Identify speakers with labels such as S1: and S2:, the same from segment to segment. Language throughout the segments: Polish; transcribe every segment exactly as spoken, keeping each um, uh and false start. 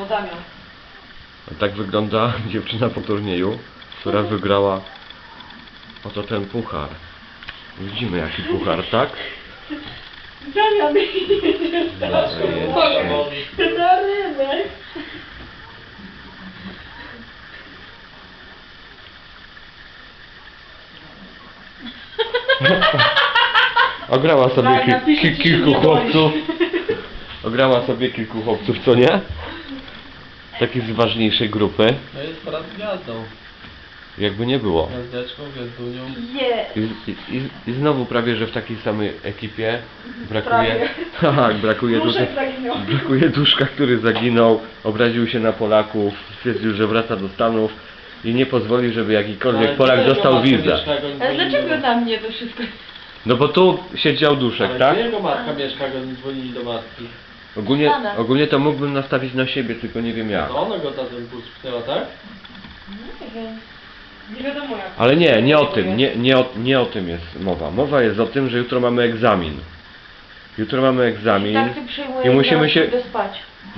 S1: No Damian.
S2: Tak wygląda dziewczyna po turnieju, która wygrała oto ten puchar. Widzimy jaki puchar, tak?
S1: Damian,
S2: Jezu.
S1: na rynek.
S2: Ograła sobie
S1: Tak,
S2: ki
S1: napiszę
S2: ki
S1: ci, że
S2: kilku
S1: nie boi.
S2: chłopców. Ograła sobie kilku chłopców, co nie? Taki z ważniejszej grupy.
S3: No jest teraz gwiazdą.
S2: Jakby nie było.
S3: Gwiazdeczką, gwiazdunią.
S1: Je.
S2: I, i, i, I znowu prawie, że w takiej samej ekipie brakuje...
S1: Prawie.
S2: Tak, brakuje
S1: Duszek
S2: tutaj...
S1: zaginął.
S2: Brakuje Duszka, który zaginął, obraził się na Polaków, stwierdził, że wraca do Stanów i nie pozwoli, żeby jakikolwiek Polak dostał wizę.
S1: Ale dlaczego na mnie to wszystko?
S2: No bo tu siedział Duszek,
S3: Ale
S2: tak?
S3: gdzie jego matka mieszka, go nie dzwonili do matki?
S2: Ogólnie,
S1: Stanach.
S2: ogólnie to mógłbym nastawić na siebie, tylko nie wiem jak.
S3: To ona go za ten bus pchnęła, tak?
S1: Nie wiem. Nie wiadomo jak.
S2: Ale nie, nie o tym, nie, nie, o, nie o tym jest mowa. Mowa jest o tym, że jutro mamy egzamin. Jutro mamy egzamin
S1: Tak, ty przyjmujesz,
S2: i musimy
S1: zaraz
S2: się...
S1: pójdę spać.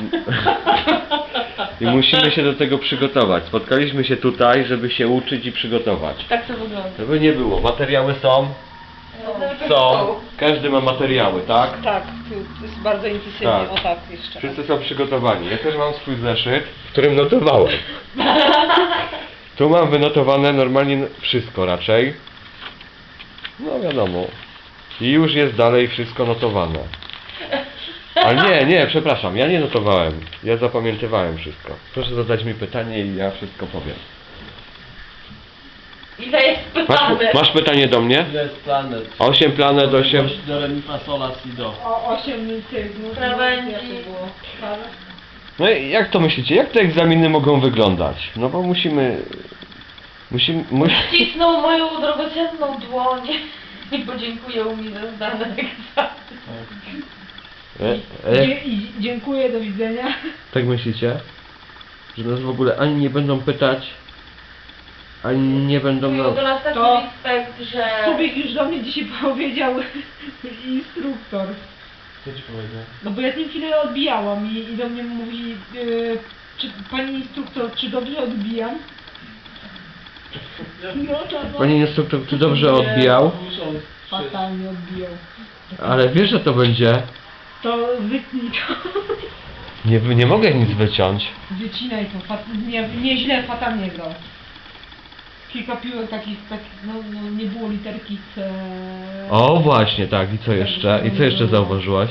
S2: I musimy się do tego przygotować. Spotkaliśmy się tutaj, żeby się uczyć i przygotować.
S1: Tak to wygląda.
S2: Żeby nie było, materiały są, są, każdy ma materiały, tak?
S1: Tak, tu jest bardzo intensywnie,
S2: Tak.
S1: o tak jeszcze.
S2: Wszyscy są przygotowani. Ja też mam swój zeszyt, w którym notowałem. Tu mam wynotowane normalnie wszystko raczej. No wiadomo. I już jest dalej wszystko notowane. Ale nie, nie, przepraszam, ja nie notowałem. Ja zapamiętywałem wszystko. Proszę zadać mi pytanie i ja wszystko powiem.
S1: Ile jest
S2: Masz,
S1: pytane?
S2: masz pytanie do mnie?
S3: Ile jest planet?
S2: osiem planet, osiem...
S3: Do re mi fa sola si do.
S1: O osiem tych
S4: Krawędzi.
S1: jak to było?
S2: No i jak to myślicie? Jak te egzaminy mogą wyglądać? No bo musimy... Musimy... Mus...
S4: Ścisnął moją drogocenną dłoń i podziękuję mi za zdane egzamin.
S2: E, e,
S1: Dzie- i- Dziękuję, do widzenia.
S2: tak myślicie? Że nas w ogóle ani nie będą pytać, ani nie będą
S4: Czuję
S2: nam...
S4: do nas taki
S1: To-
S4: respekt, że...
S1: Subik już do mnie dzisiaj powiedział instruktor.
S3: Co ci powiedział?
S1: No bo ja z nim chwilę odbijałam i, i do mnie mówi, yy, czy pani instruktor, czy dobrze odbijam? No to no,
S2: Panie instruktor, czy dobrze odbijał?
S3: Muszą przyjść.
S1: fatalnie odbijał.
S2: Ale wiesz, że to będzie...
S1: To wytnij to.
S2: Nie, nie mogę nic wyciąć.
S1: Wycinaj to, fat, nie, nieźle, fatalnie grał. Kilka piłek takich, takich no, no nie było literki C.
S2: O właśnie, tak. I co jeszcze? I co jeszcze zauważyłaś?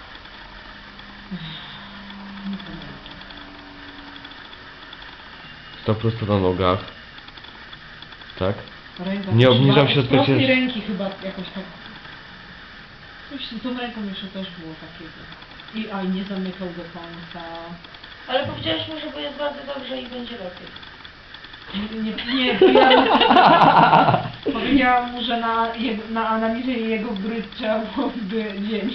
S2: Sto prosto na nogach. Tak?
S1: Ręka
S2: Nie
S1: też
S2: obniżam
S1: ma-
S2: się
S1: z
S2: od
S1: prostej
S2: przecież-
S1: ręki chyba jakoś tak. Coś z tą ręką jeszcze też było takiego. I aj, nie zamykał do końca.
S4: Ale powiedziałeś mu, że jest bardzo dobrze i będzie lepiej.
S1: Nie, nie, nie powiedziałam, powiedziałam mu, że na, jego, na analizie jego gry trzeba byłoby dzień.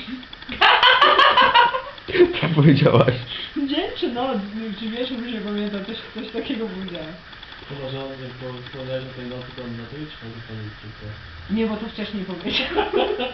S2: Tak powiedziałaś.
S1: Dzień czy noc? Czy wiesz, już nie pamiętam, coś, coś takiego powiedziałem.
S3: To może on jak po wspomniałeś o tej nocy, to on na to idź, może pan instruktor.
S1: Nie, bo to wcześniej powiedziałem.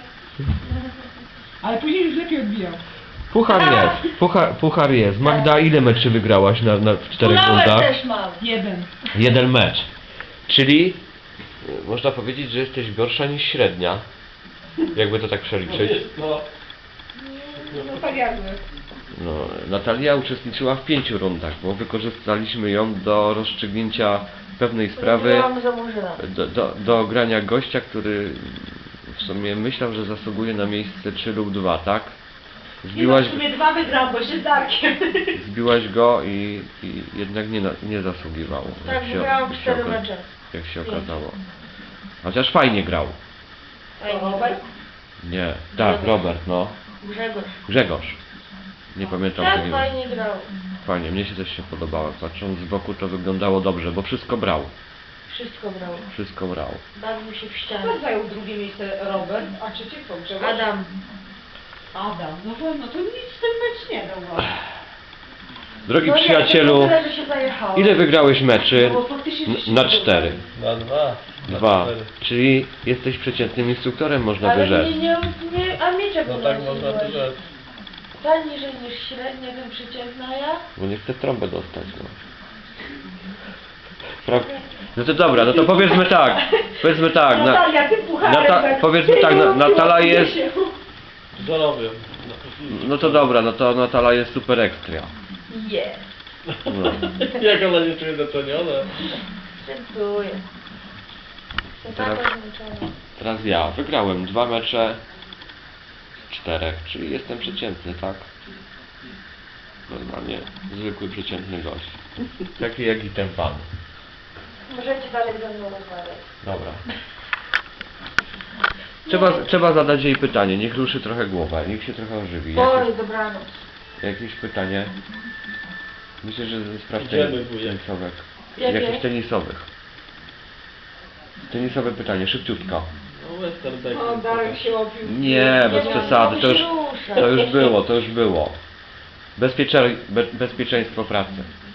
S1: Ale później już lepiej odbijał.
S2: Puchar jest. Puchar, puchar jest. Magda, ile meczy wygrałaś na, na w czterech
S4: Kulałek
S2: rundach?
S4: też mam.
S1: Jeden.
S2: Jeden mecz. Czyli y, można powiedzieć, że jesteś gorsza niż średnia. Jakby to tak
S3: No
S2: przeliczyć.
S3: jest to.
S1: No tak jakby.
S2: No, Natalia uczestniczyła w pięciu rundach, bo wykorzystaliśmy ją do rozstrzygnięcia pewnej sprawy,
S4: Byłam za murzyna.
S2: do, do, do grania gościa, który w sumie myślał, że zasługuje na miejsce trzy lub dwa, tak? Zbiłaś,
S1: w sumie dwa wygrał, bo się z Darkiem.
S2: zbiłaś go i, i jednak nie, na- nie zasługiwał.
S4: Tak,
S2: jak się-
S4: wygrałam
S2: jak się
S4: cztery
S2: oka-
S4: mecze.
S2: Jak się okazało. Chociaż fajnie grał.
S4: Fajnie.
S1: Robert?
S2: Nie, tak,
S4: Grzegorz.
S2: Robert, no.
S4: Grzegorz.
S2: Grzegorz. Nie pamiętam
S4: Tak,
S2: tego.
S4: fajnie grał.
S2: Fajnie, mnie się też się podobało. Patrząc z boku to wyglądało dobrze, bo wszystko brał.
S4: Wszystko brał.
S2: Wszystko brał.
S4: Bawił się w ścianę.
S1: Kto zajął drugie miejsce? Robert, a trzecie kto? Grzegorz?
S4: Adam.
S1: Adam. No, to- no to nic ten mecz nie dał wam.
S2: Drogi
S4: No nie,
S2: przyjacielu,
S4: to tyle, że się zajechało.
S2: ile wygrałeś meczy?
S1: No bo faktycznie
S2: N-
S1: żeście
S2: Na
S1: nie
S2: cztery.
S3: Na dwa. Na
S2: Dwa.
S3: cztery.
S2: Czyli jesteś przeciętnym instruktorem, można by
S4: Ale
S2: rzec.
S4: nie, nie, nie, a mieczek
S3: No
S4: u
S3: tak
S4: nas
S3: można
S4: byłeś.
S3: tu rzec.
S4: Ta niżej niż średnia, ten przeciętna ja.
S2: Bo nie chcę trąbę dostać, no. Pra... No to dobra, no to powiedzmy tak. Powiedzmy tak. Na...
S1: Natalia, ty pucharek,
S2: Nata...
S1: tak.
S2: Powiedzmy tak, na... Natala jest...
S3: Zarobię.
S2: No to dobra, no to Natala jest super ekstra.
S4: Jest.
S2: No.
S3: Jak ona nie czuje doceniona?
S4: Dziękuję. Jestem
S2: Teraz-
S4: taka zmęczona.
S2: Teraz ja wygrałem dwa mecze z czterech, czyli jestem przeciętny, tak? Normalnie zwykły przeciętny gość. Taki jak i ten pan.
S4: Możecie dalej ze mną rozmawiać.
S2: Dobra. Trzeba, trzeba zadać jej pytanie, niech ruszy trochę głowę, niech się trochę ożywi.
S4: Oj,
S2: Jakieś,
S4: dobranoc.
S2: jakieś pytanie? Myślę, że ze spraw
S3: Idziemy,
S2: tenis-
S3: wujek.
S2: tenisowych.
S4: Jakie?
S2: Jakichś tenisowych. Tenisowe pytanie, szybciutko.
S3: No western tak.
S1: O, Darek się opił.
S2: Nie, bez
S4: Nie,
S2: przesady,
S4: no,
S2: to już,
S4: się rusza.
S2: to już było, to już było. Bezpiecze, be, bezpieczeństwo pracy.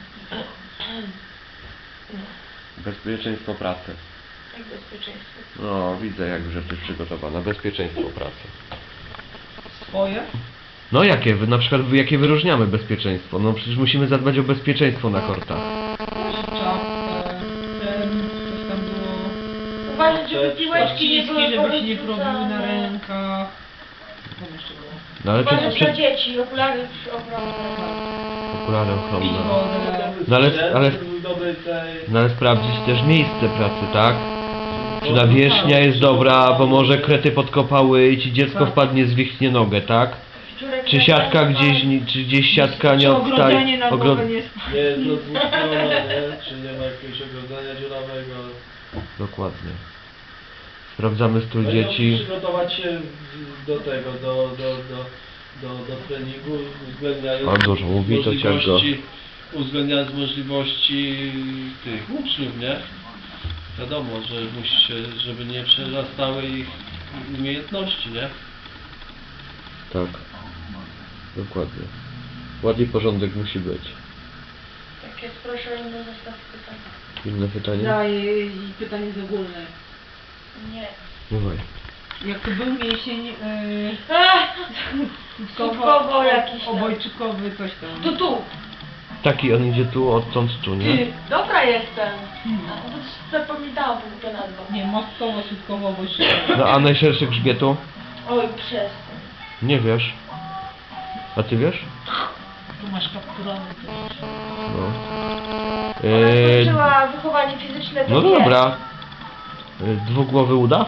S2: Bezpieczeństwo pracy.
S4: Jak bezpieczeństwo.
S2: No, widzę jak już jesteś przygotowana. Bezpieczeństwo pracy.
S1: Swoje?
S2: No jakie, wy- na przykład wy- jakie wyróżniamy bezpieczeństwo? No przecież musimy zadbać o bezpieczeństwo na kortach.
S1: Czapkę, ten, coś tam było.
S4: Uważać, żeby piłeczki nie były
S1: Ściski, żeby się nie
S4: porozrzucane.
S1: probiły na rękach. Co tam jeszcze było?
S2: No ale
S4: Uważać
S2: przecież
S4: na
S2: przed...
S4: dzieci, okulary ochronne.
S2: Okulary
S1: Pić
S2: ochronne.
S1: wodę.
S2: No ale- ale-
S3: Dobrej tej...
S2: No ale sprawdzić też miejsce pracy, tak? Czy nawierzchnia jest dobra, bo może krety podkopały i ci dziecko wpadnie, zwichnie nogę, tak?
S4: Szczurek
S2: Czy
S4: na
S2: siatka
S4: palcach.
S2: gdzieś, nie- czy gdzieś siatka nie
S1: Czy ogrodzenie
S2: odstaje?
S1: na
S2: ogro-
S1: głowę nie jest...
S3: Nie jest rozwódniona, nie? Czy nie ma jakiegoś ogrodzenia dziurawego?
S2: Dokładnie. Sprawdzamy strój
S3: No i
S2: dzieci.
S3: przygotować się do tego, do, do, do, do, do treningu, uwzględniając
S2: A dużo mówi, to ciężko.
S3: możliwości, uwzględniając możliwości tych uczniów, nie? Wiadomo, że musi się, żeby nie przerastały ich umiejętności, nie?
S2: Tak. Dokładnie. Ładny porządek musi być.
S4: Tak jest, proszę o inny zestaw pytań.
S2: Inne pytanie?
S1: Daję pytanie z ogólne.
S4: Nie.
S2: Dawaj.
S1: Jak to był mięsień yy,
S4: Ach, Słupkowo jakiś tam.
S1: obojczykowy, coś tam.
S4: tu, tu.
S2: Taki on idzie tu, odtąd tu, nie?
S4: Ty, dobra jestem. A, to zapamiętałam tą głupia nazwę.
S1: Nie, mostkowo, słupkowo, obojczykowy.
S2: No a najszerszy grzbietu?
S4: Oj, przestań.
S2: Nie wiesz. A ty wiesz?
S1: Tu masz kapturony.
S2: No.
S4: Ona
S2: Eee,
S4: skończyła wychowanie fizyczne, to
S2: no
S4: wie.
S2: dobra. Eee, Dwugłowy uda?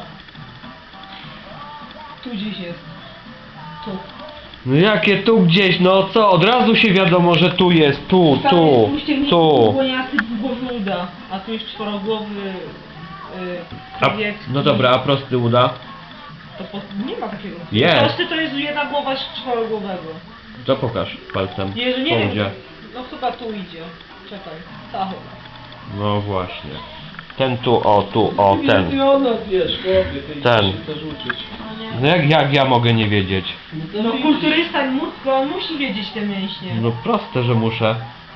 S1: Tu gdzieś jest. Tu.
S2: No jakie tu gdzieś, no co? Od razu się wiadomo, że tu jest, tu,
S1: Tam
S2: tu,
S1: jest uścięgnięty
S2: tu.
S1: dwugłoniasty dwugłowy uda, a tu jest czworogłowy yy,
S2: A,
S1: krawiecki.
S2: no dobra, a prosty uda?
S1: To po, nie ma takiego.
S2: Jest.
S1: Prosty to jest jedna głowa z czworogłowego.
S2: To pokaż palcem.
S1: Jezu, nie
S2: Po
S1: wiem.
S2: udzie.
S1: No chyba tu idzie. Czekaj. Ta chyba.
S2: No właśnie. Ten tu, o, tu, o,
S3: I
S2: ten.
S3: ona, wiesz, chłopie, ty
S2: Ten.
S3: się też uczyć.
S4: No nie.
S2: No jak, jak ja mogę nie wiedzieć?
S3: to
S1: No
S3: widzisz.
S1: kulturysta, mu- to on musi wiedzieć te mięśnie.
S2: No proste, że muszę.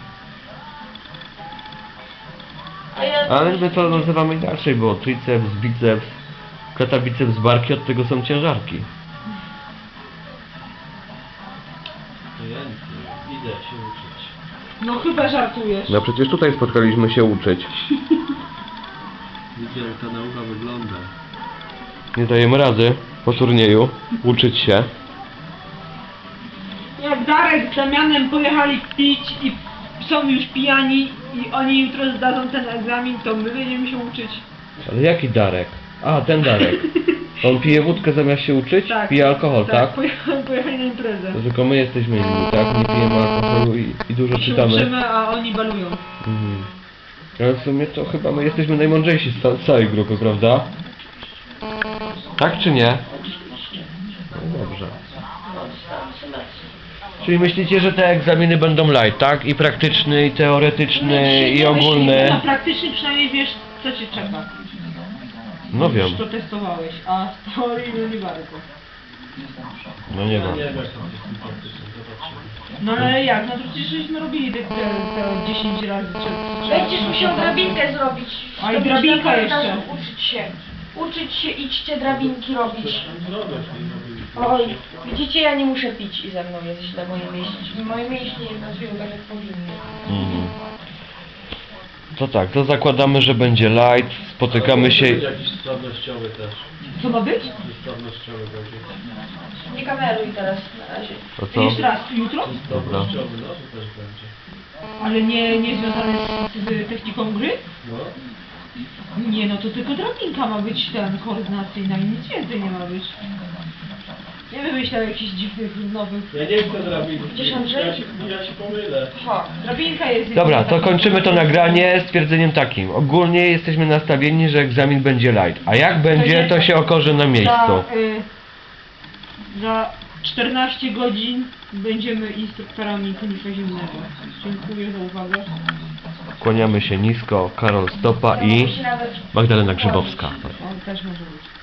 S4: A ja...
S2: Ale my to nazywamy inaczej, bo triceps, biceps, kleta biceps, barki, od tego są ciężarki.
S3: To ja nic nie wiem. Idę się uczyć.
S1: No chyba żartujesz.
S2: No przecież tutaj spotkaliśmy się uczyć.
S3: Widzę, jak ta nauka wygląda.
S2: Nie dajemy rady po turnieju uczyć się.
S1: Jak Darek z Damianem pojechali pić i są już pijani i oni jutro zdadzą ten egzamin, to my będziemy się uczyć.
S2: Ale jaki Darek? A, ten Darek. On pije wódkę zamiast się uczyć?
S1: Tak.
S2: Pije alkohol, tak?
S1: Pojechali, pojechali na imprezę.
S2: To tylko my jesteśmy inni, tak? Nie pijemy alkoholu i, i dużo
S1: Się
S2: czytamy.
S1: uczymy, a oni balują.
S2: Mhm. Ale w sumie to chyba my jesteśmy najmądrzejsi z ca- całej grupy, prawda? Tak czy nie? No dobrze.
S4: No, sam semestr.
S2: Czyli myślicie, że te egzaminy będą light, tak? I praktyczny, i teoretyczny, i
S1: Na
S2: ogólny.
S1: praktyczny przynajmniej wiesz, co cię czeka.
S2: No wiem.
S1: Już to testowałeś, a z teorii no nie bardzo.
S2: No nie
S3: Ja
S2: wiem.
S3: nie wiem, jak to jest z tym praktycznym, zobaczymy.
S1: No ale jak? No to przecież żeśmy robili te, te, te dziesięć razy. Czy, czy,
S4: Będziesz musiał drabinkę zrobić.
S1: A i
S4: To
S1: drabinka
S4: będziesz na
S1: jeszcze.
S4: korytarzu Uczyć się. Uczyć się, idźcie drabinki robić.
S3: Zrobię w tej drabince.
S4: Oj, widzicie, ja nie muszę pić i ze mną jest źle moje mięśnie. Moje mięśnie nie pracują tak jak powinny.
S2: Mhm. To tak, to zakładamy, że będzie light, spotykamy się...
S3: Będzie jakiś sprawnościowy też.
S1: Co ma być?
S3: Sprawnościowy będzie.
S4: Nie kameruj teraz na razie.
S2: To co?
S1: Jeszcze raz, jutro?
S2: Dobra.
S3: Sprawnościowy, no to też będzie.
S1: Ale nie, nie związane z, z techniką gry?
S3: No.
S1: Nie, no to tylko drabinka ma być ten koordynacyjna i nic więcej nie ma być. Nie wymyślał jakichś dziwnych, nowych...
S3: Ja nie chcę drabinki.
S4: Gdzieś Andrzej?
S3: Ja się, ja się pomylę.
S4: Ha.
S1: Drabinka jest...
S2: Dobra, to kończymy to nagranie stwierdzeniem takim. Ogólnie jesteśmy nastawieni, że egzamin będzie light. A jak będzie, to się okaże na miejscu.
S1: Za, y, za czternaście godzin będziemy instruktorami konika zimnego. Dziękuję za uwagę.
S2: Kłaniamy się nisko. Karol Stopa i
S4: Musi nawet...
S2: Magdalena Grzybowska.
S1: On też może być.